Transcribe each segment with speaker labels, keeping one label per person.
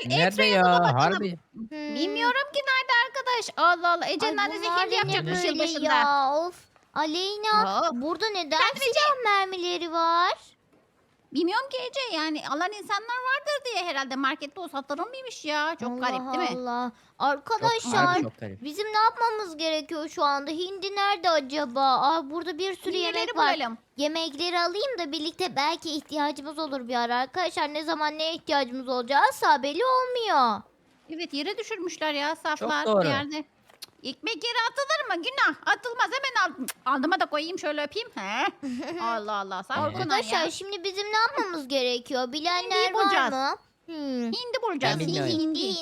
Speaker 1: Nerede
Speaker 2: X-ray'i
Speaker 1: ya?
Speaker 2: bulamadım.
Speaker 1: Harbi.
Speaker 2: Bilmiyorum ki nerede arkadaş. Allah Allah. Ece'nin
Speaker 3: Ay
Speaker 2: annesi
Speaker 3: bunlar
Speaker 2: hindi
Speaker 3: da ne
Speaker 2: yapacakmış
Speaker 3: böyle
Speaker 2: yılbaşında.
Speaker 3: ya? Of. Aleyna
Speaker 2: Of.
Speaker 3: burada neden
Speaker 2: Efendim Ece?
Speaker 3: silah mermileri var?
Speaker 2: Bilmiyorum ki Ece, yani alan insanlar vardır diye herhalde markette o satılır mıymış ya? Çok garip
Speaker 3: Allah
Speaker 2: değil mi?
Speaker 3: Allah.
Speaker 1: Çok
Speaker 3: Arkadaşlar
Speaker 1: harbi çok garip.
Speaker 3: bizim ne yapmamız gerekiyor şu anda? Hindi nerede acaba? Aa, burada bir sürü
Speaker 2: Hindileri
Speaker 3: yemek var.
Speaker 2: bulalım.
Speaker 3: Yemekleri alayım da birlikte belki ihtiyacımız olur bir ara. Arkadaşlar ne zaman neye ihtiyacımız olacağı asla belli olmuyor.
Speaker 2: Evet, yere düşürmüşler ya saflar
Speaker 1: doğru.
Speaker 2: bir yerde. Cık, ekmek yere atılır mı? Günah. Atılmaz, hemen al. Aldıma da koyayım, şöyle öpeyim. He. Allah Allah. Sağ ol Günay
Speaker 3: Arkadaşlar
Speaker 2: ya.
Speaker 3: şimdi bizim ne yapmamız gerekiyor? Bilenler var
Speaker 2: bulacağız.
Speaker 3: mı?
Speaker 2: Hindi bulacağız.
Speaker 1: Ben bilmiyorum.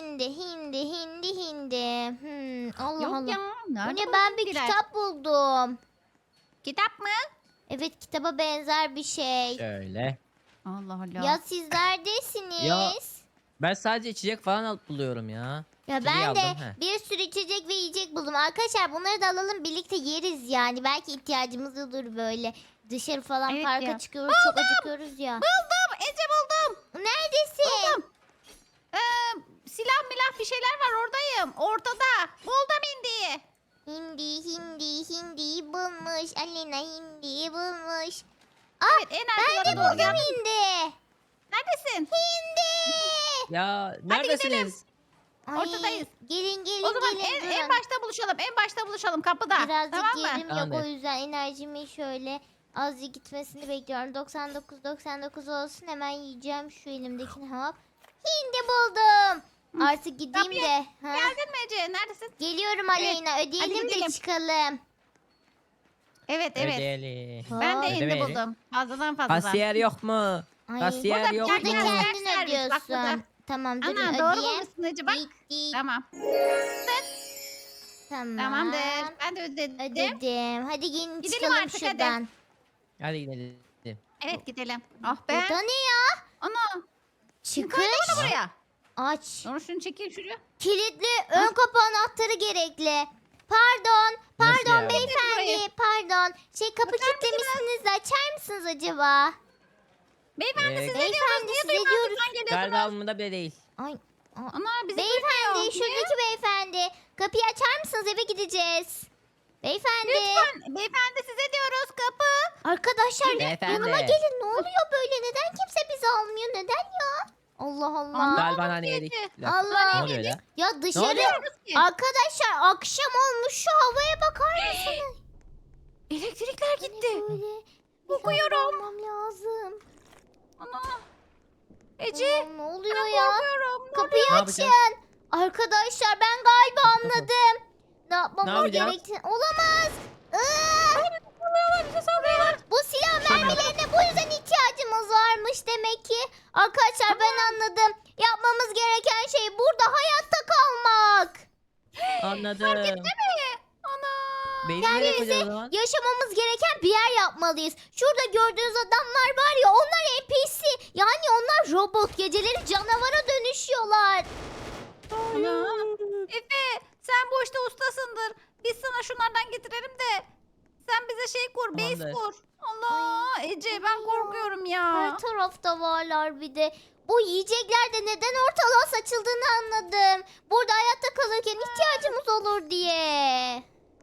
Speaker 3: Hindi. Allah
Speaker 2: Yok
Speaker 3: Allah.
Speaker 2: ya.
Speaker 3: Bu
Speaker 2: Nerede
Speaker 3: ne, ben bir
Speaker 2: hindiler?
Speaker 3: kitap buldum.
Speaker 2: Kitap mı?
Speaker 3: Evet, kitaba benzer bir şey.
Speaker 1: Şöyle.
Speaker 2: Allah Allah.
Speaker 3: Ya siz neredesiniz?
Speaker 1: Ya, Ben sadece içecek falan alıp buluyorum ya.
Speaker 3: Ya
Speaker 1: içeceği
Speaker 3: ben de
Speaker 1: aldım, he.
Speaker 3: bir sürü içecek ve yiyecek buldum. Arkadaşlar bunları da alalım, birlikte yeriz yani. Belki ihtiyacımız olur böyle. Dışarı falan
Speaker 2: Evet
Speaker 3: parka
Speaker 2: ya.
Speaker 3: çıkıyoruz, çok acıkıyoruz ya.
Speaker 2: Buldum. Ece buldum.
Speaker 3: Neredesin?
Speaker 2: Buldum. Silah milah bir şeyler var, oradayım. Ortada. Buldum hindiyi.
Speaker 3: Hindi bulmuş. Alena hindi bulmuş.
Speaker 2: Evet, en
Speaker 3: Ben de
Speaker 2: arkalara doğru
Speaker 3: buldum
Speaker 2: geldim.
Speaker 3: hindi.
Speaker 2: Neredesin?
Speaker 3: Hindi.
Speaker 1: Ya
Speaker 2: gidelim.
Speaker 1: neredesiniz?
Speaker 3: Ay,
Speaker 2: Ortadayız.
Speaker 3: Gelin
Speaker 2: O zaman
Speaker 3: gelin
Speaker 2: en
Speaker 3: durun.
Speaker 2: başta buluşalım. En başta buluşalım kapıda.
Speaker 3: Birazcık
Speaker 2: Tamam mı?
Speaker 3: yerim yok,
Speaker 1: Tamamdır.
Speaker 3: o yüzden enerjimi şöyle azıcık gitmesini bekliyorum. 99 olsun, hemen yiyeceğim şu elimdekini, hop. Hindi buldum. Artık gideyim
Speaker 2: Kapıya
Speaker 3: de. Ha?
Speaker 2: Geldin mi Ece? Neredesin?
Speaker 3: Geliyorum Aleyna, ödeyelim de
Speaker 2: gidelim.
Speaker 3: çıkalım.
Speaker 2: Evet.
Speaker 1: Ödeli.
Speaker 2: Ben de
Speaker 3: Hop.
Speaker 2: hindi
Speaker 1: Ödemeyelim.
Speaker 2: buldum. Fazladan fazladan.
Speaker 1: Kasiyer yok mu?
Speaker 3: Ay,
Speaker 1: Kasiyer
Speaker 2: Burada
Speaker 1: yok
Speaker 3: burada
Speaker 2: gel,
Speaker 1: mu?
Speaker 2: gel.
Speaker 3: kendin
Speaker 2: Servis, bak burada.
Speaker 3: ödüyorsun. Tamam, durun
Speaker 2: Ana doğru
Speaker 3: ödeyeyim.
Speaker 2: bulmuşsun Ece, bak.
Speaker 3: Bitti.
Speaker 2: Tamam.
Speaker 3: Tamam.
Speaker 2: Tamamdır. Ben de ödedim.
Speaker 3: Ödedim. Hadi gelin
Speaker 2: Gidelim
Speaker 3: çıkalım
Speaker 2: artık, hadi.
Speaker 3: şuradan.
Speaker 1: Hadi gidelim.
Speaker 2: Evet, gidelim. Ah be.
Speaker 3: Burada ne ya?
Speaker 2: Ana.
Speaker 3: Çıkış.
Speaker 2: Buraya.
Speaker 3: Aç.
Speaker 2: Dur şunu çekeyim şuraya.
Speaker 3: Kilitli ön kapı anahtarı gerekli. Pardon.
Speaker 1: Nasıl
Speaker 3: Pardon
Speaker 1: ya?
Speaker 3: beyefendi. Pardon. Kapı kilitlemişsiniz de açar mısınız acaba?
Speaker 2: Beyefendi
Speaker 1: Ee,
Speaker 2: size diyoruz.
Speaker 3: Beyefendi,
Speaker 2: Niye
Speaker 3: size
Speaker 2: duymazlıktan
Speaker 3: diyoruz.
Speaker 2: geliyorsunuz?
Speaker 1: Galiba umurumda bile değil.
Speaker 3: Ay.
Speaker 2: Ana bizi
Speaker 3: Beyefendi,
Speaker 2: duymuyor.
Speaker 3: şuradaki beyefendi. Kapıyı açar mısınız? Eve gideceğiz. Beyefendi.
Speaker 2: Lütfen. Beyefendi size diyoruz, kapı.
Speaker 3: Arkadaşlar
Speaker 1: Beyefendi.
Speaker 3: yanıma gelin. Ne oluyor böyle? Neden kimse bizi almıyor? Neden ya? Allah Allah.
Speaker 1: Galiba hani yedik.
Speaker 2: Ece.
Speaker 3: Allah.
Speaker 1: Ne oluyor ya?
Speaker 3: Ya dışarı.
Speaker 1: oluyor?
Speaker 3: Arkadaşlar akşam olmuş, şu havaya bakar mısınız?
Speaker 2: Elektrikler gitti.
Speaker 3: Böyle.
Speaker 2: Kokuyorum.
Speaker 3: Almam lazım.
Speaker 2: Ana. Ece.
Speaker 3: Aman, ne oluyor
Speaker 2: Ben
Speaker 3: ya?
Speaker 2: korkuyorum.
Speaker 3: Kapıyı
Speaker 1: Ne
Speaker 3: açın.
Speaker 1: yapacağız?
Speaker 3: Arkadaşlar ben galiba anladım. Ne
Speaker 1: Ne
Speaker 3: yapmamız
Speaker 1: yapacağız?
Speaker 3: gerektiğini. Olamaz. Iıı!
Speaker 2: Bize sallıyorlar.
Speaker 3: Bu silah mermilerine bu yüzden ihtiyacımız varmış demek ki. Arkadaşlar ben anladım. Yapmamız gereken şey burada hayatta kalmak.
Speaker 1: Anladım.
Speaker 2: Ana.
Speaker 1: Beyni
Speaker 3: Yani
Speaker 1: nereye
Speaker 3: bize
Speaker 1: koyacağız o zaman?
Speaker 3: yaşamamız gereken bir yer yapmalıyız. Şurada gördüğünüz adamlar var ya, onlar NPC. Yani onlar robot, geceleri canavara dönüşüyorlar.
Speaker 2: Ana. Efe sen bu işte ustasındır. Biz sana şunlardan getirelim de sen bize şey kur, base
Speaker 1: Tamamdır.
Speaker 2: kur. Allah Ece, ben korkuyorum ya.
Speaker 3: Her tarafta varlar bir de. Bu yiyecekler de neden ortalığa saçıldığını anladım. Burada hayatta kalırken ihtiyacımız olur diye.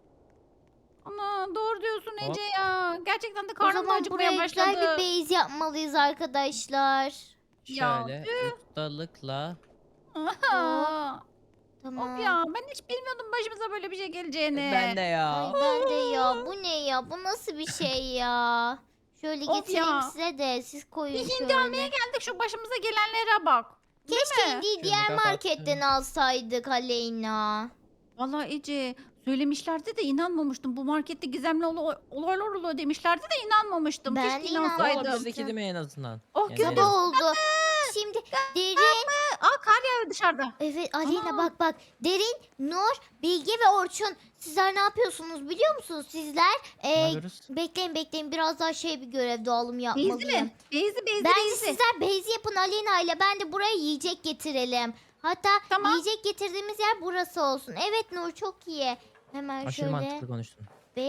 Speaker 2: Ana doğru diyorsun Ece ya. Gerçekten de
Speaker 3: O
Speaker 2: karnım da
Speaker 3: zaman
Speaker 2: acıkmaya
Speaker 3: buraya güzel bir
Speaker 2: başladı.
Speaker 3: base yapmalıyız arkadaşlar.
Speaker 2: Ya,
Speaker 1: Şöyle ustalıkla.
Speaker 2: Aha.
Speaker 3: Tamam.
Speaker 2: Of ya, ben hiç bilmiyordum başımıza böyle bir şey geleceğini.
Speaker 1: Ben de
Speaker 3: Ay
Speaker 1: ya.
Speaker 3: ben de ya. Bu ne ya? Bu nasıl bir şey ya? Şöyle
Speaker 2: Of
Speaker 3: getireyim
Speaker 2: ya.
Speaker 3: size de siz koyun
Speaker 2: Bir hindi
Speaker 3: şöyle.
Speaker 2: almaya geldik, şu başımıza gelenlere bak. Değil
Speaker 3: Keşke
Speaker 2: mi?
Speaker 3: indiği
Speaker 1: Şunu
Speaker 3: diğer
Speaker 1: kapattım.
Speaker 3: marketten alsaydık Aleyna.
Speaker 2: Vallahi Ece söylemişlerdi de inanmamıştım. Bu markette gizemli olaylar oluyor demişlerdi de inanmamıştım.
Speaker 3: Ben
Speaker 2: Keşke
Speaker 3: de inanmadım.
Speaker 1: Ama
Speaker 2: inansaydım.
Speaker 1: bizdeki değil mi en azından?
Speaker 2: Oh,
Speaker 1: Yani-
Speaker 2: güzel.
Speaker 3: Sabah oldu. Şimdi Derin.
Speaker 2: Aa, kar yağıyor dışarıda.
Speaker 3: Evet Aleyna,
Speaker 2: Aa.
Speaker 3: bak. Derin, Nur, Bilge ve Orçun. Sizler ne yapıyorsunuz biliyor musunuz? Sizler
Speaker 1: Ne yapıyoruz?
Speaker 3: bekleyin, biraz daha bir görev dağılımı
Speaker 2: Beyzi
Speaker 3: yapmalıyım.
Speaker 2: mi? Beyzi
Speaker 3: Bence
Speaker 2: beyzi.
Speaker 3: sizler base yapın Aleyna ile, ben de buraya yiyecek getirelim. Hatta
Speaker 2: Tamam.
Speaker 3: yiyecek getirdiğimiz yer burası olsun. Evet Nur, çok iyi. Hemen
Speaker 1: Aşırı
Speaker 3: şöyle
Speaker 1: mantıklı konuştun.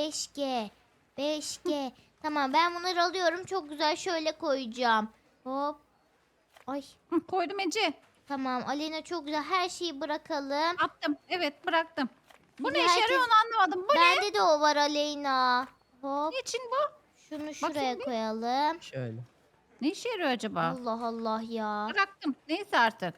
Speaker 3: 5G. Tamam, ben bunları alıyorum, çok güzel şöyle koyacağım. Hop. Ay.
Speaker 2: Hı, koydum Ece.
Speaker 3: Tamam Aleyna çok güzel. Her şeyi bırakalım.
Speaker 2: Attım. Evet bıraktım. Bu
Speaker 3: Bir
Speaker 2: ne
Speaker 3: de
Speaker 2: işe yarıyor
Speaker 3: herkes-
Speaker 2: onu anlamadım. Bu ne?
Speaker 3: Bende de o var Aleyna. Hop.
Speaker 2: Niçin bu?
Speaker 3: Şunu şuraya
Speaker 2: bir.
Speaker 3: koyalım.
Speaker 1: Şöyle.
Speaker 2: Ne işe yarıyor acaba?
Speaker 3: Allah Allah ya.
Speaker 2: Bıraktım. Neyse artık.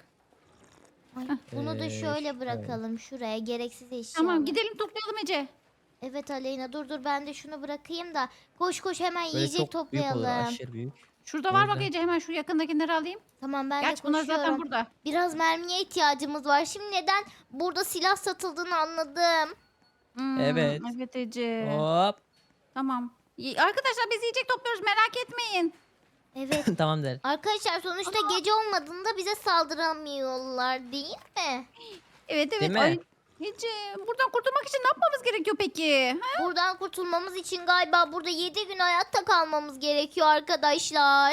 Speaker 3: Ay, bunu da şöyle
Speaker 1: şöyle.
Speaker 3: bırakalım şuraya. Gereksiz eşya.
Speaker 2: Tamam gidelim toplayalım Ece.
Speaker 3: Evet Aleyna dur ben de şunu bırakayım da. Koş koş hemen
Speaker 1: Böyle
Speaker 3: yiyecek
Speaker 1: çok büyük olur.
Speaker 3: toplayalım.
Speaker 1: Aşırı büyük.
Speaker 2: Şurada var bak
Speaker 1: Güzel.
Speaker 2: Ece, hemen şu yakındakileri alayım.
Speaker 3: Tamam ben
Speaker 2: Gerçi
Speaker 3: de
Speaker 2: bunlar zaten
Speaker 3: koşuyorum.
Speaker 2: burada.
Speaker 3: Biraz mermiye ihtiyacımız var. Şimdi neden burada silah satıldığını anladım.
Speaker 1: Evet.
Speaker 2: Evet Ece.
Speaker 1: Hop.
Speaker 2: Tamam. Arkadaşlar biz yiyecek topluyoruz, merak etmeyin.
Speaker 3: Evet.
Speaker 1: Tamam der.
Speaker 3: Arkadaşlar sonuçta gece olmadığında bize saldıramıyorlar değil mi?
Speaker 2: Evet evet.
Speaker 1: Değil mi?
Speaker 2: Ay, Ece buradan kurtulmak için ne yapmamız gerekiyor peki? Ha?
Speaker 3: Buradan kurtulmamız için galiba burada 7 gün hayatta kalmamız gerekiyor arkadaşlar.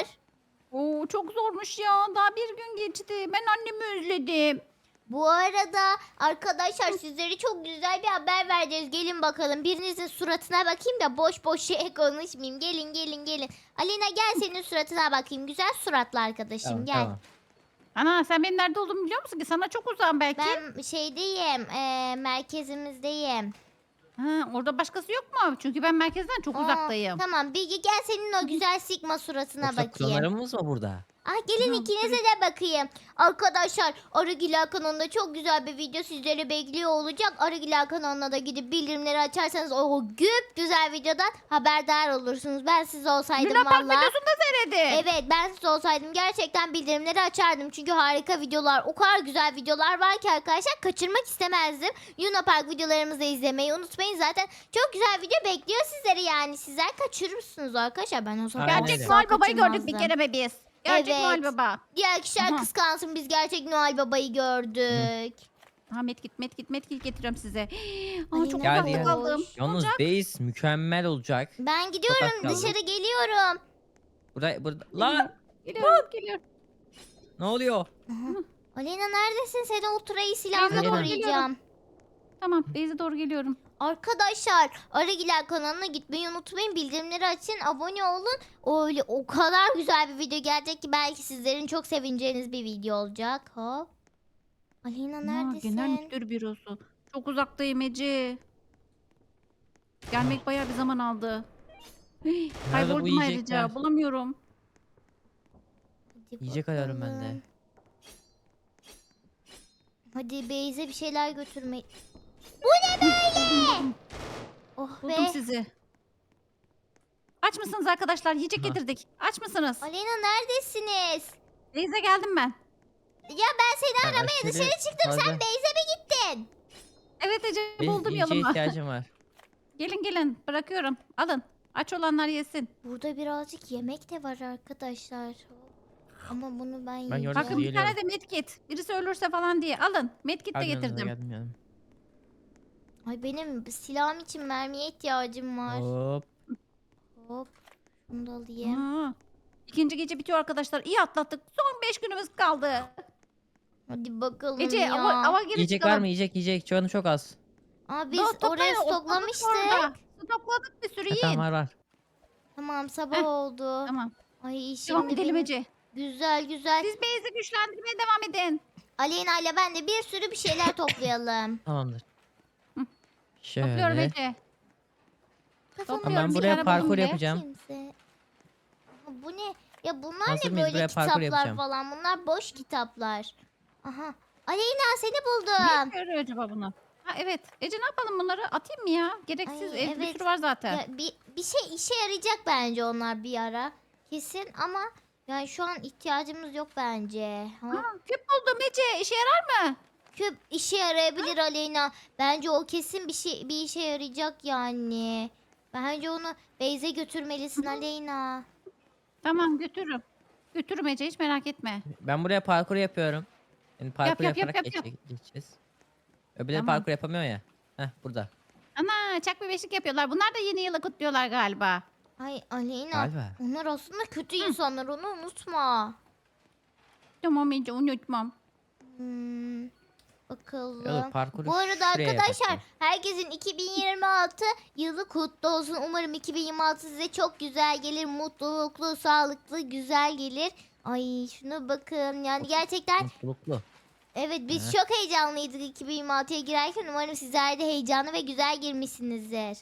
Speaker 2: Oo, çok zormuş ya. Daha bir gün geçti. Ben annemi özledim.
Speaker 3: Bu arada arkadaşlar sizlere çok güzel bir haber vereceğiz. Gelin bakalım. Birinizin suratına bakayım da boş boş şey konuşmayayım. Gelin. Alina gel senin suratına bakayım. Güzel suratlı arkadaşım
Speaker 1: Tamam,
Speaker 3: gel.
Speaker 1: tamam.
Speaker 2: Ana sen benim nerede olduğumu biliyor musun ki? Sana çok uzağım belki.
Speaker 3: Ben şeydeyim. Merkezimizdeyim.
Speaker 2: Ha, orada başkası yok mu? Çünkü ben merkezden çok
Speaker 3: Aa,
Speaker 2: uzaktayım.
Speaker 3: Tamam Bilge gel senin o güzel sigma suratına
Speaker 1: Yoksa
Speaker 3: bakayım.
Speaker 1: klonlarımız mı burada?
Speaker 3: Ah gelin
Speaker 2: Tamam,
Speaker 3: ikinize de bakayım. Arkadaşlar Arıgila kanalında çok güzel bir video sizleri bekliyor olacak. Arıgila kanalına da gidip bildirimleri açarsanız o güp güzel videodan haberdar olursunuz. Ben siz olsaydım
Speaker 2: Luna Park
Speaker 3: valla.
Speaker 2: videosunu da seyredin.
Speaker 3: Evet ben siz olsaydım gerçekten bildirimleri açardım. Çünkü harika videolar, o kadar güzel videolar var ki arkadaşlar kaçırmak istemezdim. Luna Park videolarımızı izlemeyi unutmayın. Zaten çok güzel video bekliyor sizleri yani. Sizler kaçırırsınız arkadaşlar. Ben o zaman
Speaker 1: Aynen
Speaker 2: Gerçek
Speaker 1: öyle.
Speaker 2: Noel Baba'yı gördük bir
Speaker 3: kaçırmazdım.
Speaker 2: kere be biz. Gerçek
Speaker 3: Evet.
Speaker 2: Noel Baba.
Speaker 3: Diğer kişiler
Speaker 2: Aha.
Speaker 3: kıskansın biz gerçek Noel Baba'yı gördük.
Speaker 2: Ha medkit getiriyorum size. Aa,
Speaker 3: Alina
Speaker 2: çok
Speaker 1: Geldi,
Speaker 2: uzakta
Speaker 1: geldi.
Speaker 2: kaldım.
Speaker 1: Yalnız base mükemmel olacak.
Speaker 3: Ben gidiyorum
Speaker 1: Sokak kaldı.
Speaker 3: dışarı geliyorum.
Speaker 1: Burada. Lan!
Speaker 2: Geliyorum.
Speaker 1: Ne oluyor?
Speaker 3: Aleyna neredesin? Seni ultrayı silahla
Speaker 1: Aleyna.
Speaker 3: koruyacağım.
Speaker 2: Tamam Beyze doğru geliyorum.
Speaker 3: Arkadaşlar Aragiler kanalına gitmeyi unutmayın. Bildirimleri açın, abone olun. Öyle o kadar güzel bir video gelecek ki belki sizlerin çok sevineceğiniz bir video olacak. Hop. Aleyna neredesin?
Speaker 2: Genel müdür bürosu. Çok uzaktayım Ece. Gelmek bayağı bir zaman aldı. Hii,
Speaker 1: bu
Speaker 2: Kayboldum
Speaker 1: yiyecekler?
Speaker 2: ayrıca. Bulamıyorum.
Speaker 3: Hadi
Speaker 1: Yiyecek arıyorum ben de.
Speaker 3: bakalım. Hadi Beyze bir şeyler götürme. Bu ne böyle? Oh
Speaker 2: Buldum
Speaker 3: be.
Speaker 2: sizi. Aç mısınız arkadaşlar? Yiyecek
Speaker 1: Aha.
Speaker 2: getirdik. Aç mısınız?
Speaker 3: Aleyna neredesiniz?
Speaker 2: Beyze geldim ben.
Speaker 3: Ya ben seni
Speaker 1: Ben
Speaker 3: aramaya
Speaker 1: aşırı
Speaker 3: dışarı çıktım. Sen
Speaker 1: fazla-
Speaker 3: Beyze mi gittin?
Speaker 2: Evet Ece
Speaker 1: Benim
Speaker 2: buldum
Speaker 1: yiyeceğe
Speaker 2: yoluma.
Speaker 1: ihtiyacım var.
Speaker 2: Gelin bırakıyorum. Alın. Aç olanlar yesin.
Speaker 3: Burada birazcık yemek de var arkadaşlar. Ama bunu ben
Speaker 1: Ben
Speaker 3: yiyeceğim.
Speaker 1: gördüm.
Speaker 2: Bakın bir
Speaker 1: Geliyorum.
Speaker 2: tane de medkit. Birisi ölürse falan diye. Alın. Medkit de
Speaker 1: Geldim yanınıza,
Speaker 2: getirdim.
Speaker 1: geldim.
Speaker 3: Ay benim silahım için mermiye ihtiyacım var.
Speaker 1: Hop.
Speaker 3: Hop. Şunu da alayım.
Speaker 2: Aa, İkinci gece bitiyor arkadaşlar. İyi atlattık. Son 5 günümüz kaldı.
Speaker 3: Hadi bakalım
Speaker 2: Ece
Speaker 3: ya.
Speaker 2: ava girip
Speaker 1: Yiyecek var mı? Yiyecek. Canım çok az.
Speaker 3: Aa, biz
Speaker 2: Daha toplayın,
Speaker 3: oraya
Speaker 2: otladık
Speaker 3: stoklamıştık.
Speaker 2: orada. Stokladık bir sürü
Speaker 1: Ha,
Speaker 2: yiyin.
Speaker 1: tamam var.
Speaker 3: Tamam sabah
Speaker 2: Heh,
Speaker 3: oldu.
Speaker 2: Tamam.
Speaker 3: Ay
Speaker 2: Devam
Speaker 3: şimdi
Speaker 2: edelim
Speaker 3: benim-
Speaker 2: Ece.
Speaker 3: Güzel.
Speaker 2: Siz base'i güçlendirmeye devam edin.
Speaker 3: Aleyna ile ben de bir sürü bir şeyler toplayalım.
Speaker 1: Tamamdır.
Speaker 2: Hı.
Speaker 1: Şöyle.
Speaker 2: Topluyorum Ece.
Speaker 3: Kafamı
Speaker 2: Topluyorum,
Speaker 1: Ben
Speaker 2: bir
Speaker 1: buraya
Speaker 2: tane
Speaker 1: parkur
Speaker 2: buldum be.
Speaker 1: yapacağım.
Speaker 3: Kimse. Aha, bu ne? Ya bunlar
Speaker 1: Hazır
Speaker 3: ne
Speaker 1: mıyız?
Speaker 3: böyle
Speaker 1: Buraya parkur
Speaker 3: kitaplar
Speaker 1: yapacağım.
Speaker 3: falan? Bunlar boş kitaplar. Aha. Aleyna seni
Speaker 2: Ne
Speaker 3: buldum.
Speaker 2: işe yarıyor acaba bunu? Ha evet. Ece ne yapalım bunları? Atayım mı ya? Gereksiz.
Speaker 3: Ay,
Speaker 2: Bir
Speaker 3: evet.
Speaker 2: sürü var zaten.
Speaker 3: Ya, bir şey işe yarayacak bence onlar bir ara. Kesin ama yani şu an ihtiyacımız yok bence. Ha?
Speaker 2: Ha, küp buldum Ece. İşe yarar mı?
Speaker 3: Küp işe yarayabilir Aleyna. Bence o kesin bir işe yarayacak yani. Bence onu Beyze götürmelisin Aleyna.
Speaker 2: Tamam götürürüm. Götürürüm Ece hiç merak etme.
Speaker 1: Ben buraya parkur yapıyorum. Yani parkur
Speaker 2: yap,
Speaker 1: yaparak
Speaker 2: yap.
Speaker 1: geçeceğiz. Öbürleri
Speaker 2: Tamam.
Speaker 1: parkur yapamıyor ya. Heh burada.
Speaker 2: Ana çak bir beşik yapıyorlar. Bunlar da yeni yılı kutluyorlar galiba.
Speaker 3: Ay Aleyna.
Speaker 1: Galiba.
Speaker 3: Onlar aslında kötü insanlar onu unutma.
Speaker 2: Tamam Ece unutmam.
Speaker 3: Hmm, bakalım.
Speaker 1: Olur, parkuru
Speaker 3: Bu arada
Speaker 1: şuraya
Speaker 3: arkadaşlar
Speaker 1: yapalım.
Speaker 3: herkesin 2026 yılı kutlu olsun. Umarım 2026 size çok güzel gelir. Mutluluklu, sağlıklı, güzel gelir. Ay şuna bakın. Yani gerçekten
Speaker 1: Mutluluklu.
Speaker 3: evet biz
Speaker 1: Heh.
Speaker 3: çok heyecanlıydık 2026'ya girerken. Umarım sizler de heyecanlı ve güzel girmişsinizdir.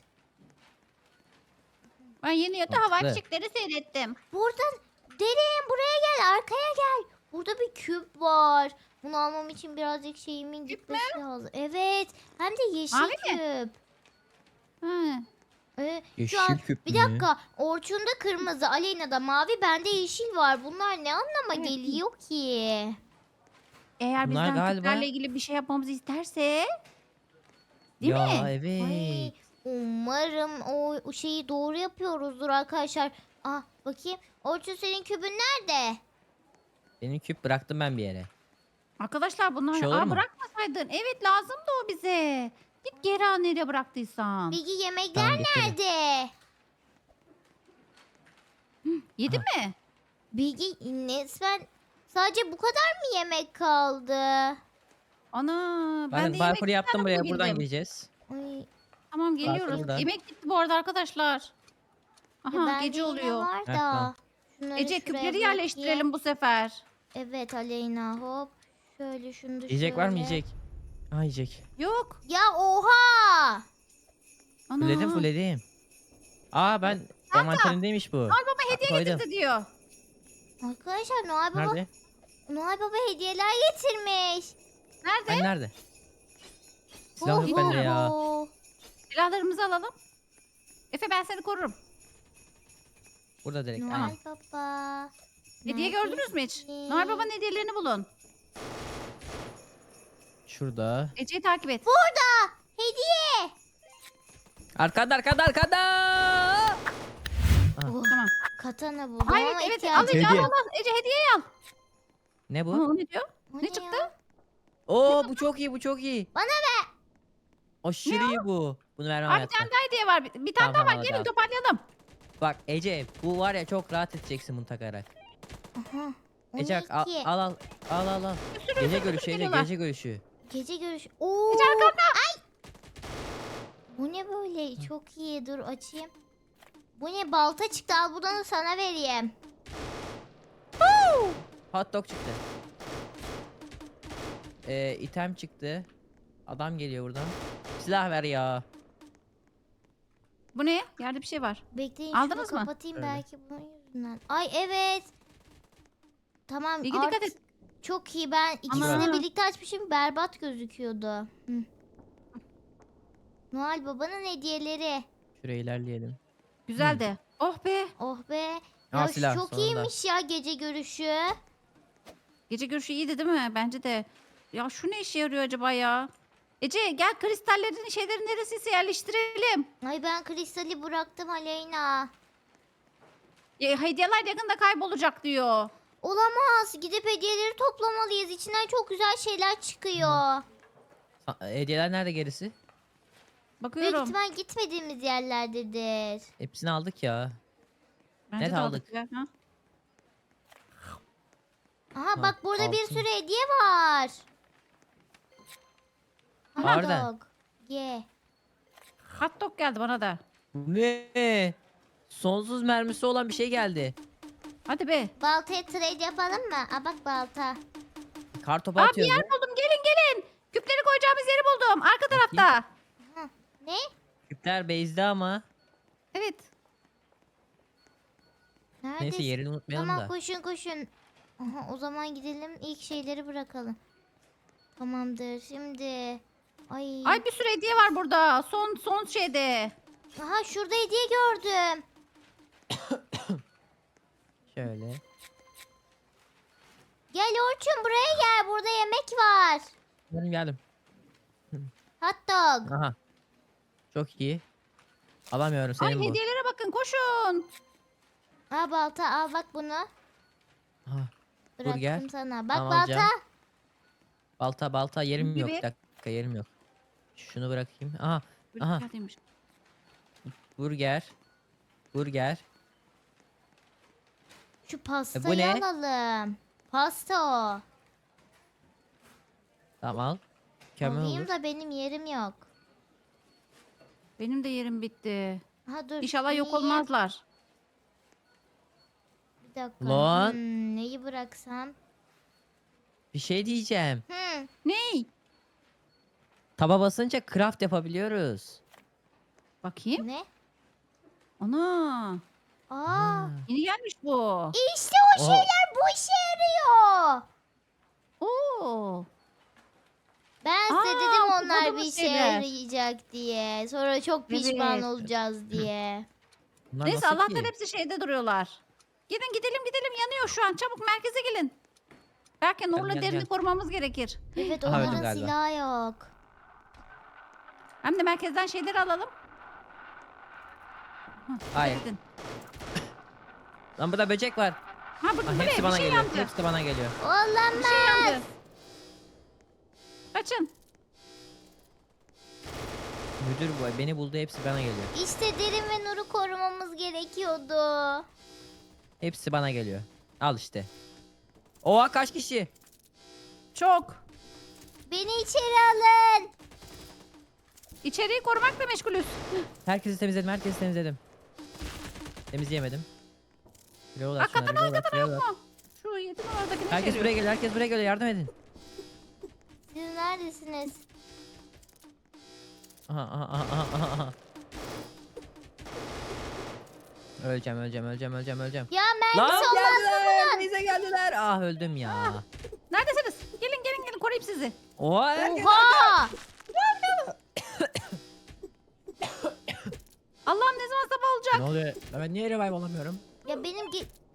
Speaker 2: Ben yeni yata havai
Speaker 1: Mantıklı.
Speaker 2: fişekleri seyrettim.
Speaker 3: Buradan derin buraya gel, arkaya gel. Burada bir küp var. Bunu almam için birazcık şeyimin gitmesi lazım. Evet. Hem de yeşil
Speaker 2: Mavi mi?
Speaker 3: küp.
Speaker 2: Ha.
Speaker 3: Şu an
Speaker 1: Yeşil küp
Speaker 3: bir
Speaker 1: mü?
Speaker 3: dakika. Orçun'da kırmızı, Aleyna'da mavi, bende yeşil var. Bunlar ne anlama
Speaker 2: Evet.
Speaker 3: geliyor ki?
Speaker 2: Eğer
Speaker 1: Bunlar
Speaker 2: bizden
Speaker 1: galiba-
Speaker 2: küplerle ilgili bir şey yapmamızı isterse. Değil
Speaker 1: ya
Speaker 2: mi?
Speaker 1: evet.
Speaker 3: Ay, umarım o şeyi doğru yapıyoruzdur arkadaşlar. Ah bakayım. Orçun senin kübün nerede?
Speaker 1: Benim küp bıraktım ben bir yere.
Speaker 2: Arkadaşlar bunlar
Speaker 1: Şey olur mu?
Speaker 2: bırakmasaydın. Evet lazımdı o bize. Git geri al nereye bıraktıysan.
Speaker 3: Bilgi yemekler
Speaker 1: Tamam, getirdim.
Speaker 3: nerede?
Speaker 2: Yedin
Speaker 1: Aha.
Speaker 2: mi?
Speaker 3: Bilgi resmen sadece bu kadar mı yemek kaldı?
Speaker 2: Ana ben
Speaker 1: Ben
Speaker 2: de
Speaker 1: parkur
Speaker 2: yemek
Speaker 1: yaptım buraya. Buradan
Speaker 2: bulabildim.
Speaker 1: gideceğiz.
Speaker 3: Ay,
Speaker 2: Tamam geliyoruz.
Speaker 1: buradan.
Speaker 2: Yemek gitti bu arada arkadaşlar. Aha
Speaker 3: bende
Speaker 2: gece
Speaker 3: yine
Speaker 2: oluyor.
Speaker 3: var
Speaker 1: Heh,
Speaker 3: da.
Speaker 1: tamam.
Speaker 3: Şunları
Speaker 2: Ece
Speaker 3: şuraya
Speaker 2: küpleri
Speaker 3: bırakayım.
Speaker 2: yerleştirelim bu sefer.
Speaker 3: Evet Aleyna hop. Şöyle şunu da
Speaker 1: Yiyecek var mı
Speaker 3: şöyle.
Speaker 1: yiyecek? Ha yiyecek.
Speaker 2: Yok.
Speaker 3: Ya oha!
Speaker 2: Ana.
Speaker 1: Fulledim. Aa ben envanterimdeymiş bu.
Speaker 2: Noel Baba hediye
Speaker 1: Koydum.
Speaker 2: getirdi diyor.
Speaker 3: Arkadaşlar Noel Baba,
Speaker 1: Nerede?
Speaker 3: Noel Baba hediyeler getirmiş.
Speaker 2: Nerede?
Speaker 1: Ben nerede? Silah yok bende ya.
Speaker 3: Oho.
Speaker 2: Silahlarımızı alalım. Efe ben seni korurum.
Speaker 1: Burada direkt.
Speaker 3: Noel
Speaker 1: Aynen.
Speaker 3: Baba.
Speaker 2: Hediye gördünüz mü hiç?
Speaker 3: neredesin?
Speaker 2: Noel Baba'nın hediyelerini bulun.
Speaker 1: Şurada.
Speaker 2: Ece'yi takip et.
Speaker 3: Burada. Hediye.
Speaker 1: Arkada. Aha.
Speaker 3: Oh,
Speaker 2: Tamam.
Speaker 3: katana buldum
Speaker 2: Hayır
Speaker 3: ama
Speaker 2: evet
Speaker 3: ihtiyacım
Speaker 2: al Ece
Speaker 1: Hediye.
Speaker 2: al. Ece hediyeyi al.
Speaker 1: Ne
Speaker 2: Aa,
Speaker 1: bu?
Speaker 2: o ne diyor?
Speaker 3: O
Speaker 2: Ne çıktı?
Speaker 3: ya?
Speaker 1: Oo bu çok iyi, bu çok iyi.
Speaker 3: Bana
Speaker 1: ver. Aşırı iyi bu. Bunu vermem
Speaker 2: Aa, bir
Speaker 1: hayatta.
Speaker 2: tane daha hediye var. Bir tane
Speaker 1: Tamam,
Speaker 2: daha var.
Speaker 1: tamam,
Speaker 2: Gelin
Speaker 1: tamam.
Speaker 2: toparlayalım.
Speaker 1: Bak Ece bu var ya çok rahat edeceksin bunu takarak.
Speaker 3: Aha. O
Speaker 1: Ece
Speaker 3: ne
Speaker 1: bak, al
Speaker 3: ki?
Speaker 1: al. Gece görüşü Ece,
Speaker 2: geliyorlar.
Speaker 1: gece görüşü.
Speaker 3: Gece görüş. Oo.
Speaker 2: Ece arkanda.
Speaker 3: Bu ne böyle? Çok iyi. Dur açayım. Bu ne? Balta çıktı. Al bunu sana vereyim.
Speaker 1: Hot dog çıktı. İtem çıktı. Adam geliyor buradan. Silah ver ya.
Speaker 2: Bu ne? Yerde bir şey var.
Speaker 3: Bekleyin
Speaker 2: Aldınız
Speaker 3: şunu
Speaker 2: mı?
Speaker 3: kapatayım
Speaker 1: Öyle.
Speaker 3: belki bunun yüzünden. Ay evet. Tamam
Speaker 2: Bilgi dikkat
Speaker 3: artık
Speaker 2: et.
Speaker 3: çok iyi. Ben ikisini
Speaker 2: Ana.
Speaker 3: birlikte açmışım. Berbat gözüküyordu. Hı. Noel Baba'nın hediyeleri.
Speaker 1: Şuraya ilerleyelim.
Speaker 2: Güzel de. Oh be.
Speaker 3: Oh be.
Speaker 1: Aa,
Speaker 3: Ya
Speaker 1: silah,
Speaker 3: çok
Speaker 1: sonunda.
Speaker 3: iyiymiş ya gece görüşü.
Speaker 2: Gece görüşü iyiydi değil mi? Bence de. Ya şu ne işe yarıyor acaba ya? Ece gel kristallerin şeyleri neresiyse yerleştirelim.
Speaker 3: Ay ben kristali bıraktım Aleyna.
Speaker 2: Ya, hediyeler yakında kaybolacak diyor.
Speaker 3: Olamaz. Gidip hediyeleri toplamalıyız. İçinden çok güzel şeyler çıkıyor.
Speaker 1: Hediyeler nerede gerisi?
Speaker 3: Büyük
Speaker 2: Bakıyorum.
Speaker 3: ihtimal gitmediğimiz yerlerdedir.
Speaker 1: Hepsini aldık ya.
Speaker 2: Bence
Speaker 1: net
Speaker 2: de
Speaker 1: aldık.
Speaker 2: ya. Ha?
Speaker 3: Aha bak burada bir
Speaker 1: altın.
Speaker 3: sürü hediye var. Hot
Speaker 1: Harbiden.
Speaker 3: dog. Ye.
Speaker 2: Hot dog geldi bana da.
Speaker 1: Bu ne? Sonsuz mermisi olan bir şey geldi.
Speaker 2: Hadi be.
Speaker 3: Baltaya trade yapalım mı? Aa bak balta.
Speaker 1: Kartopu
Speaker 2: Aa, bir
Speaker 1: atıyoruz.
Speaker 2: yer
Speaker 1: ya.
Speaker 2: buldum. Küpleri koyacağımız yeri buldum. Arka tarafta.
Speaker 3: Ne?
Speaker 1: Küpler base'de ama.
Speaker 2: Evet.
Speaker 3: Neredesin?
Speaker 1: Neyse yerini unutmayalım
Speaker 3: Tamam
Speaker 1: da.
Speaker 3: koşun. Aha, o zaman gidelim ilk şeyleri bırakalım. Tamamdır şimdi. Ay.
Speaker 2: Ay bir sürü hediye var burada. Son şeyde.
Speaker 3: Aha şurada hediye gördüm.
Speaker 1: Şöyle.
Speaker 3: Gel Orçun buraya gel. Burada yemek var.
Speaker 1: Geldim.
Speaker 3: Hot dog.
Speaker 1: Aha. Çok iyi. Alamıyorum
Speaker 2: Ay
Speaker 1: senin bu.
Speaker 2: hediyelere bakın koşun.
Speaker 3: Al balta al bak bunu.
Speaker 1: Aha.
Speaker 3: Bıraktım
Speaker 1: Burger.
Speaker 3: sana. Bak
Speaker 1: Tamam,
Speaker 3: balta.
Speaker 1: alacağım. Balta yerim yok.
Speaker 2: Gibi.
Speaker 1: Bir dakika yerim yok. Şunu bırakayım. Aha.
Speaker 2: Böyle
Speaker 1: Aha.
Speaker 2: geldiymiş.
Speaker 1: Burger.
Speaker 3: Şu
Speaker 1: bu
Speaker 3: pastayı
Speaker 1: ne?
Speaker 3: alalım. Pasta o.
Speaker 1: Tamam al. Mükemmel
Speaker 3: Alayım
Speaker 1: olur.
Speaker 3: da benim yerim yok.
Speaker 2: Benim de yerim bitti.
Speaker 3: Ha dur.
Speaker 2: İnşallah yok
Speaker 3: yiyeyim.
Speaker 2: olmazlar.
Speaker 3: Bir Bir dakika.
Speaker 1: Lan.
Speaker 3: Neyi bıraksam?
Speaker 1: Bir şey diyeceğim.
Speaker 2: Ney?
Speaker 1: Taba basınca craft yapabiliyoruz.
Speaker 2: Bakayım.
Speaker 3: Ne?
Speaker 2: Ana.
Speaker 3: Aa.
Speaker 1: Ha.
Speaker 2: Yeni gelmiş bu.
Speaker 3: İşte o şeyler bu işe yarıyor.
Speaker 2: Oo.
Speaker 3: Ben size
Speaker 2: Aa,
Speaker 3: dedim onlar bir
Speaker 2: topladığımız
Speaker 3: işe
Speaker 2: şeyler.
Speaker 3: yarayacak diye. Sonra çok pişman
Speaker 2: Evet.
Speaker 3: olacağız diye.
Speaker 1: Bunlar
Speaker 2: Neyse
Speaker 1: nasıl
Speaker 2: Allah'tan
Speaker 1: ki?
Speaker 2: hepsi şeyde duruyorlar. Gidin gidelim yanıyor şu an. Çabuk merkeze gelin. Belki Nur'la
Speaker 1: gel,
Speaker 2: Derin'i
Speaker 1: gel.
Speaker 2: korumamız gerekir.
Speaker 3: Evet
Speaker 1: Aha, öldüm
Speaker 3: onların
Speaker 1: galiba.
Speaker 3: silahı yok.
Speaker 2: Hem de merkezden şeyleri alalım.
Speaker 1: Hayır.
Speaker 2: Gidin.
Speaker 1: Lan burada böcek var.
Speaker 2: Ha burada
Speaker 1: Ah,
Speaker 2: bu ne?
Speaker 1: hepsi
Speaker 2: Bir
Speaker 1: bana
Speaker 2: şey
Speaker 1: geliyor.
Speaker 2: yandı.
Speaker 1: Hepsi bana geliyor.
Speaker 3: Olamaz.
Speaker 2: Bir şey yandı. Kaçın.
Speaker 1: Müdür bu. Beni buldu, hepsi bana geliyor.
Speaker 3: İşte Derin ve Nur'u korumamız gerekiyordu.
Speaker 1: Hepsi bana geliyor. Al işte. Oha, kaç kişi?
Speaker 2: Çok.
Speaker 3: Beni içeri alın.
Speaker 2: İçeriği korumakla meşgulüz.
Speaker 1: Herkesi temizledim, herkesi temizledim. Temizleyemedim. Reload at
Speaker 2: Hakikaten
Speaker 1: şunları, reload at,
Speaker 2: hakikaten
Speaker 1: reload
Speaker 2: yok
Speaker 1: at.
Speaker 2: mu? Şu 7 numaradakini
Speaker 1: Herkes
Speaker 2: içeriyor.
Speaker 1: buraya geliyor, herkes buraya geliyor. Yardım edin.
Speaker 3: Siz neredesiniz?
Speaker 1: Aha, aha, aha, aha, aha. Öleceğim.
Speaker 3: Ya
Speaker 1: Lan
Speaker 3: mermisi olmaz mı
Speaker 1: geldiler,
Speaker 3: bunun?
Speaker 1: bize geldiler. Ah, öldüm ya.
Speaker 2: Neredesiniz? Gelin koruyayım sizi.
Speaker 1: Oha, herkes.
Speaker 3: Oha!
Speaker 2: Allah'ım ne zaman sabah olacak?
Speaker 1: Ne oluyor? Ben niye revive olamıyorum?
Speaker 3: Ya benim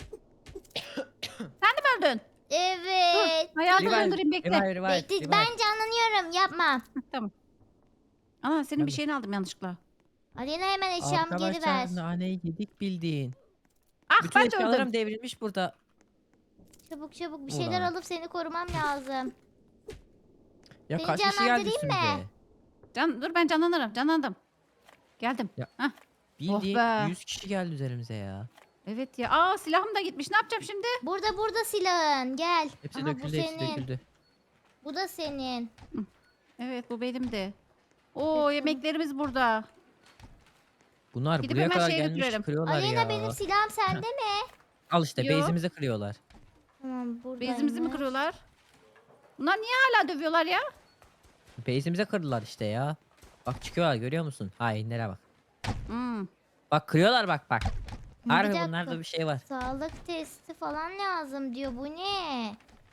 Speaker 2: Sen de mi öldün?
Speaker 3: Evet.
Speaker 2: Dur hayatını
Speaker 1: Revive,
Speaker 2: öldüreyim bekle.
Speaker 1: revive.
Speaker 3: Bekle, ben canlanıyorum yapma.
Speaker 2: Tamam. Ana senin
Speaker 1: Ben
Speaker 2: bir
Speaker 1: de.
Speaker 2: şeyini aldım yanlışlıkla.
Speaker 3: Alena hemen eşyamı geri ver.
Speaker 1: Arkadaşlar naneyi yedik bildiğin.
Speaker 2: Ah
Speaker 1: Bütün
Speaker 2: ben de
Speaker 1: eşyalarım
Speaker 2: öldüm.
Speaker 1: devrilmiş burada.
Speaker 3: Çabuk bir şeyler
Speaker 1: Ulan.
Speaker 3: alıp seni korumam lazım.
Speaker 1: Ya
Speaker 3: Seni
Speaker 1: kaç kişi geldi
Speaker 3: canlandırayım
Speaker 1: üstümüze?
Speaker 2: Dur ben canlanırım. Canlandım. Geldim.
Speaker 1: Ya.
Speaker 2: Hah.
Speaker 1: Bildiğin
Speaker 2: be.
Speaker 1: 100 kişi geldi üzerimize ya.
Speaker 2: Evet ya. Aa silahım da gitmiş. Ne yapacağım şimdi?
Speaker 3: Burada silahın gel.
Speaker 1: Hepsi
Speaker 3: Aha, bu
Speaker 1: döküldü, hepsi
Speaker 3: senin.
Speaker 1: döküldü.
Speaker 3: Bu da senin.
Speaker 2: Evet bu benim de. Oo
Speaker 3: Evet,
Speaker 2: yemeklerimiz burada.
Speaker 1: Bunlar
Speaker 2: Gidip
Speaker 1: buraya
Speaker 2: hemen
Speaker 1: kadar
Speaker 2: şeye
Speaker 1: gelmiş
Speaker 2: götürelim.
Speaker 1: kırıyorlar
Speaker 3: Alena
Speaker 1: ya.
Speaker 3: benim silahım sende mi?
Speaker 1: Al işte
Speaker 2: Yo.
Speaker 1: base'imizi kırıyorlar.
Speaker 3: Tamam buradaymış.
Speaker 2: Bezimizi mi kırıyorlar? Bunlar niye hala dövüyorlar ya?
Speaker 1: Base'imize kırdılar işte ya. Bak çıkıyorlar, görüyor musun? Hainlere bak.
Speaker 2: Hmm.
Speaker 1: Bak kırıyorlar, bak.
Speaker 3: Bir
Speaker 1: Harbi
Speaker 3: dakika.
Speaker 1: bunlarda bir şey var.
Speaker 3: Sağlık testi falan lazım diyor. Bu ne?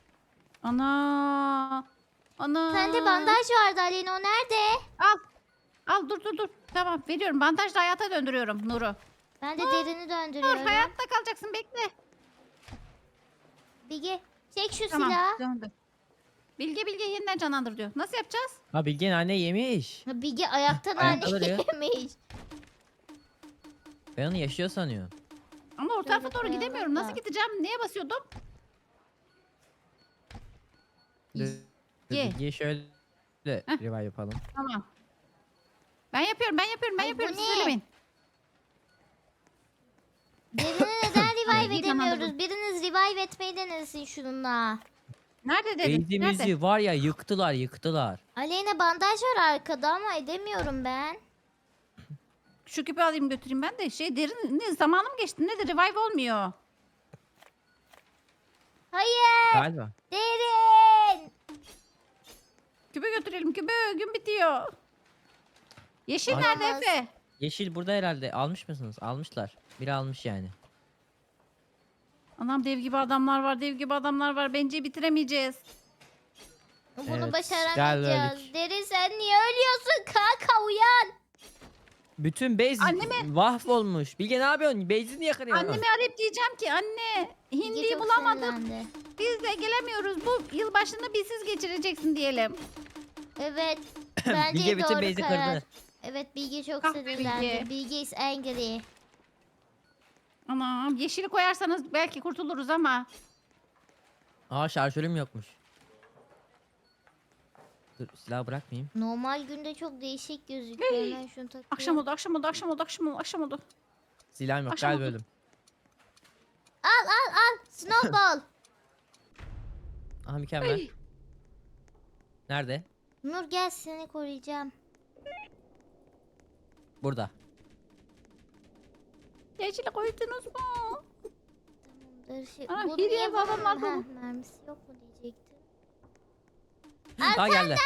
Speaker 2: Ana. Ana.
Speaker 3: Sende bandaj vardı Alena, o nerede?
Speaker 2: Al. Al dur. Tamam veriyorum. Bandajla hayata döndürüyorum Nur'u.
Speaker 3: Ben de derini
Speaker 2: Nur
Speaker 3: döndürüyorum.
Speaker 2: hayatta kalacaksın bekle.
Speaker 3: Bilge çek şu
Speaker 2: Tamam
Speaker 3: silahı.
Speaker 2: döndü. Bilge yeniden canlandır diyor. Nasıl yapacağız?
Speaker 1: Ha, Bilge nane yemiş.
Speaker 3: Ha, Bilge ayaktan
Speaker 1: Ayakta
Speaker 3: anne
Speaker 1: duruyor.
Speaker 3: yemiş.
Speaker 1: Ben onu yaşıyor sanıyorum.
Speaker 2: Ama o
Speaker 3: Şöyle
Speaker 2: tarafa doğru
Speaker 3: koyalım
Speaker 2: gidemiyorum.
Speaker 3: da.
Speaker 2: Nasıl gideceğim? Neye basıyordum?
Speaker 1: Dur,
Speaker 2: Ye.
Speaker 1: Bilge'yi şöyle revive yapalım.
Speaker 2: Tamam. Ben yapıyorum.
Speaker 3: Ay, bu
Speaker 2: Siz
Speaker 3: ne?
Speaker 2: söylemeyin.
Speaker 3: Derini neden revive
Speaker 2: İyi, tamam,
Speaker 3: edemiyoruz? Biriniz revive etmeyi denesin şununla.
Speaker 2: Nerede dedim? Nerede?
Speaker 1: Base'imizi var ya yıktılar.
Speaker 3: Aleyna bandaj var arkada ama edemiyorum ben.
Speaker 2: Şu küpü alayım götüreyim ben de. Derin zamanım geçti. Nedir? Revive olmuyor.
Speaker 3: Hayır.
Speaker 1: Galiba.
Speaker 3: Derin.
Speaker 2: Küpü götürelim. Gün bitiyor. Yeşil
Speaker 1: Ay.
Speaker 2: nerede
Speaker 3: Olmaz.
Speaker 2: Efe?
Speaker 1: Yeşil burada herhalde. Almış mısınız? Almışlar. Biri almış yani.
Speaker 2: Anam dev gibi adamlar var. Bence bitiremeyeceğiz.
Speaker 3: Bunu
Speaker 1: Evet,
Speaker 3: başaramayacağız.
Speaker 1: geldik.
Speaker 3: Derin sen niye ölüyorsun? Kanka uyan.
Speaker 1: Bütün base mahvolmuş. Bilge ne yapıyorsun? Base'i niye kırıyorsun?
Speaker 2: Annemi arayıp diyeceğim ki anne
Speaker 3: Bilge
Speaker 2: hindiyi
Speaker 3: çok
Speaker 2: bulamadık.
Speaker 3: sinirlendi.
Speaker 2: Biz de gelemiyoruz. Bu yılbaşını bizsiz geçireceksin diyelim.
Speaker 3: Evet. Bence
Speaker 1: Bilge bütün
Speaker 3: doğru
Speaker 1: base'i
Speaker 3: karar.
Speaker 1: kırdı.
Speaker 3: Evet Bilge çok
Speaker 2: Ah be
Speaker 3: sinirlendi.
Speaker 2: Bilge.
Speaker 3: Bilge is angry.
Speaker 2: Anam yeşili koyarsanız belki kurtuluruz ama.
Speaker 1: Aa, şarjörüm yokmuş. Dur, silahı bırakmayayım.
Speaker 3: Normal günde çok değişik gözüküyor. Hemen şunu takıyorum.
Speaker 2: Akşam oldu.
Speaker 1: Silahım yok,
Speaker 2: Akşam
Speaker 1: galiba
Speaker 2: oldu.
Speaker 1: öldüm.
Speaker 3: Al. Snowball.
Speaker 1: Aha, mükemmel.
Speaker 2: Ay.
Speaker 1: Nerede?
Speaker 3: Nur gel seni koruyacağım.
Speaker 1: Burada.
Speaker 2: Yeşili koydunuz mu?
Speaker 3: Şey,
Speaker 2: Aa,
Speaker 3: bu
Speaker 2: hediye
Speaker 3: niye
Speaker 2: falan var
Speaker 3: bunun-
Speaker 2: mı?
Speaker 3: Heh, mermisi yok mu diyecektim.
Speaker 1: Aa geldi.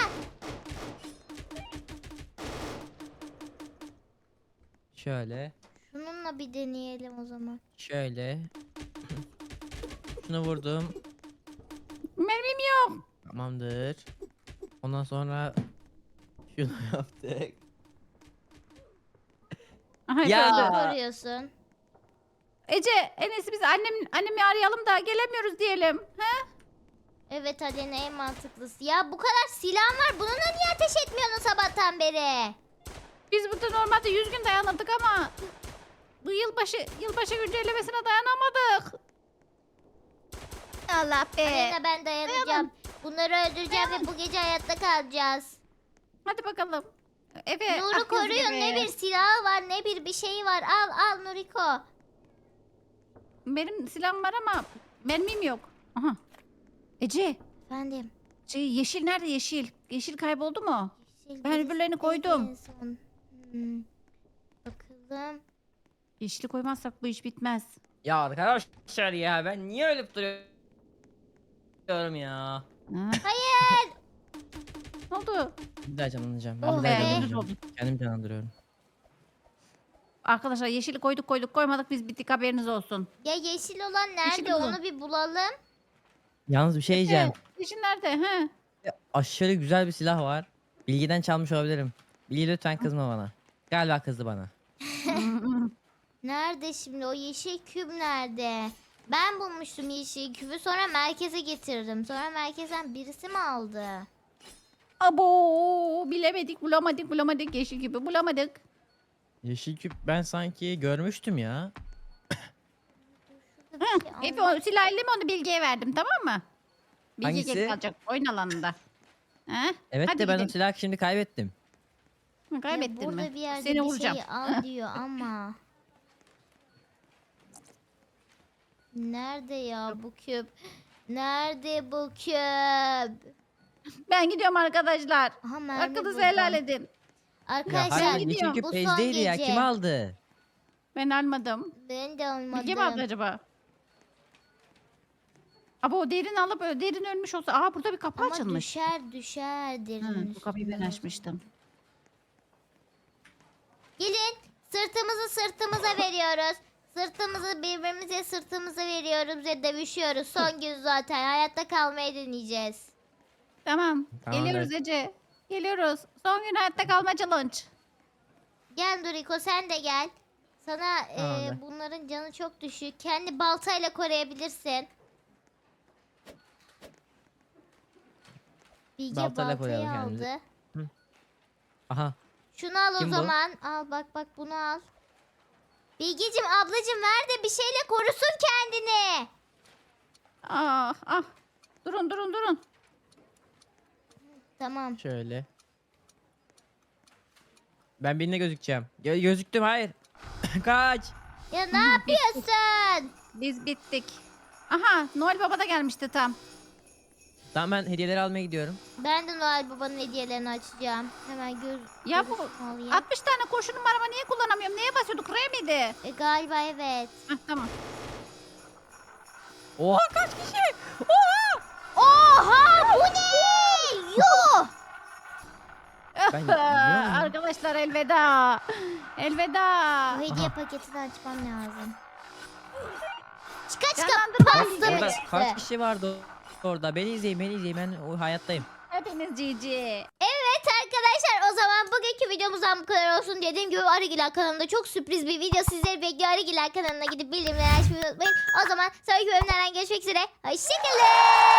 Speaker 1: Şöyle.
Speaker 3: Şununla bir deneyelim o zaman.
Speaker 1: Şöyle. Şunu vurdum.
Speaker 2: Mermim yok.
Speaker 1: Tamamdır. Ondan sonra şunu yaptık.
Speaker 2: Aha,
Speaker 1: Ya.
Speaker 2: öldü.
Speaker 3: Niye koruyorsun?
Speaker 2: Ece en iyisi biz annemi arayalım da gelemiyoruz diyelim. He?
Speaker 3: Evet Alena en mantıklısı. Ya bu kadar silahın var. Bununla niye ateş etmiyorsun sabahtan beri?
Speaker 2: Biz burada normalde 100 gün dayanırdık ama bu yılbaşı güncellemesine dayanamadık. Allah be.
Speaker 3: Alena ben dayanacağım. Bunları öldüreceğim ve bu gece hayatta kalacağız.
Speaker 2: Hadi bakalım. Efe.
Speaker 3: Nuru
Speaker 2: aklınızı
Speaker 3: koruyun.
Speaker 2: gibi.
Speaker 3: Ne bir silahı var ne bir şeyi var. Al Nuriko.
Speaker 2: Benim silahım var ama mermim yok. Aha. Ece.
Speaker 3: Efendim.
Speaker 2: Yeşil nerede yeşil? Yeşil kayboldu mu?
Speaker 3: Yeşil
Speaker 2: Ben
Speaker 3: birisi
Speaker 2: öbürlerini
Speaker 3: neydi
Speaker 2: koydum.
Speaker 3: en son? Hmm. Bakalım.
Speaker 2: Yeşili koymazsak bu iş bitmez.
Speaker 1: Ya arkadaşlar ya ben niye ölüp duruyorum ya?
Speaker 2: Ha?
Speaker 3: Hayır.
Speaker 2: Ne oldu?
Speaker 1: Bir daha canlanacağım.
Speaker 3: Oh
Speaker 1: Ben bir
Speaker 3: be.
Speaker 1: daha canlanacağım. Kendim canlandırıyorum.
Speaker 2: Arkadaşlar yeşili koyduk koymadık biz bittik haberiniz olsun.
Speaker 3: Ya yeşil olan nerede?
Speaker 2: bulun.
Speaker 3: Onu bir bulalım.
Speaker 1: Yalnız bir şey diyeceğim.
Speaker 2: Yeşil nerede? He?
Speaker 1: Aşırı güzel bir silah var. Bilgiden çalmış olabilirim. Bilgi lütfen kızma bana. Galiba kızdı bana.
Speaker 3: Nerede şimdi o yeşil küp nerede? Ben bulmuştum yeşil küpü sonra merkeze getirdim. Sonra merkezden birisi mi aldı?
Speaker 2: Abo bilemedik bulamadık yeşil gibi bulamadık.
Speaker 1: Yeşil küp ben sanki görmüştüm ya.
Speaker 3: Şurada
Speaker 2: Hı,
Speaker 3: bir şey
Speaker 2: Efe
Speaker 3: anlat-
Speaker 2: o silahlı mı onu Bilge'ye verdim tamam mı? Bilge
Speaker 1: Hangisi?
Speaker 2: geri kalacak oyun alanında. He?
Speaker 1: Evet
Speaker 2: Hadi
Speaker 1: de ben o
Speaker 2: gidelim.
Speaker 1: silahı şimdi kaybettim.
Speaker 2: Hı,
Speaker 3: Ya
Speaker 2: kaybettin
Speaker 3: burada
Speaker 2: mi?
Speaker 3: bir yerde
Speaker 2: Seni
Speaker 3: bir
Speaker 2: vuracağım.
Speaker 3: şey al diyor ama. Nerede ya bu küp? Nerede bu küp?
Speaker 2: Ben gidiyorum arkadaşlar.
Speaker 3: Aha mermi
Speaker 2: Hakkınızı
Speaker 3: buldum.
Speaker 2: helal edin.
Speaker 1: Ya
Speaker 3: Arkadaşlar
Speaker 1: hayır
Speaker 2: gidiyorum.
Speaker 1: yeşil küp
Speaker 3: bu son
Speaker 1: bezdeydi ya.
Speaker 3: gece.
Speaker 1: Kim aldı?
Speaker 2: Ben almadım.
Speaker 3: Ben de
Speaker 2: Bilge mi aldı
Speaker 3: almadım.
Speaker 2: acaba? Abo derin alıp derin ölmüş olsa. Aa burada bir kapı
Speaker 3: Ama
Speaker 2: açılmış.
Speaker 3: düşer
Speaker 2: Hı,
Speaker 3: derin
Speaker 2: bu kapıyı ben
Speaker 3: üstüne.
Speaker 2: açmıştım.
Speaker 3: Gelin sırtımıza veriyoruz. Sırtımıza veriyoruz ve dövüşüyoruz. Son gün zaten hayatta kalmayı deneyeceğiz.
Speaker 2: Tamam.
Speaker 1: Tamam,
Speaker 2: Geliyoruz Ece. Geliyoruz. Son gün hayatta kalma challenge.
Speaker 3: Gel Doriko sen de gel. Sana
Speaker 1: Tamamdır.
Speaker 3: bunların canı çok düşük. Kendi baltayla koruyabilirsin. Bilge
Speaker 1: Baltayla
Speaker 3: baltayı
Speaker 1: koruyalım
Speaker 3: aldı.
Speaker 1: kendimizi. Aha.
Speaker 3: Şunu al o
Speaker 1: Kim bu?
Speaker 3: zaman. Al bak bunu al. Bilgeciğim ablacığım ver de bir şeyle korusun kendini.
Speaker 2: Ah. Durun.
Speaker 3: Tamam.
Speaker 1: Şöyle. Ben birine gözükeceğim. Gözüktüm hayır. Kaç.
Speaker 3: Ya ne yapıyorsun?
Speaker 2: Biz bittik. Aha Noel Baba da gelmişti tam.
Speaker 1: Tamam ben hediyeleri almaya gidiyorum.
Speaker 3: Ben de Noel Baba'nın hediyelerini açacağım. Hemen
Speaker 2: Ya bu
Speaker 3: gözünü alayım.
Speaker 2: 60 tane kurşunum var ama niye kullanamıyorum? Neye basıyorduk? R miydi?
Speaker 3: Galiba evet.
Speaker 2: Hah, tamam.
Speaker 1: Oha kaç kişi? Oha.
Speaker 3: Oha bu ne? Yuh.
Speaker 1: Ben biliyor muyum?
Speaker 2: Arkadaşlar elveda. Elveda.
Speaker 3: Bu hediye paketini açmam lazım. Çıka
Speaker 2: Canlandırma
Speaker 3: pasta mı
Speaker 1: Orada
Speaker 3: çıktı?
Speaker 1: kaç kişi vardı orada? Beni izleyin. Ben o hayattayım.
Speaker 2: Hepiniz GG.
Speaker 3: Evet arkadaşlar o zaman bugünkü videomuzdan bu kadar olsun. Dediğim gibi Arıgiler kanalında çok sürpriz bir video sizleri bekliyor. Arıgiler kanalına gidip bildirimleri açmayı unutmayın. O zaman sonraki bölümlerden görüşmek üzere. Hoşçakalın.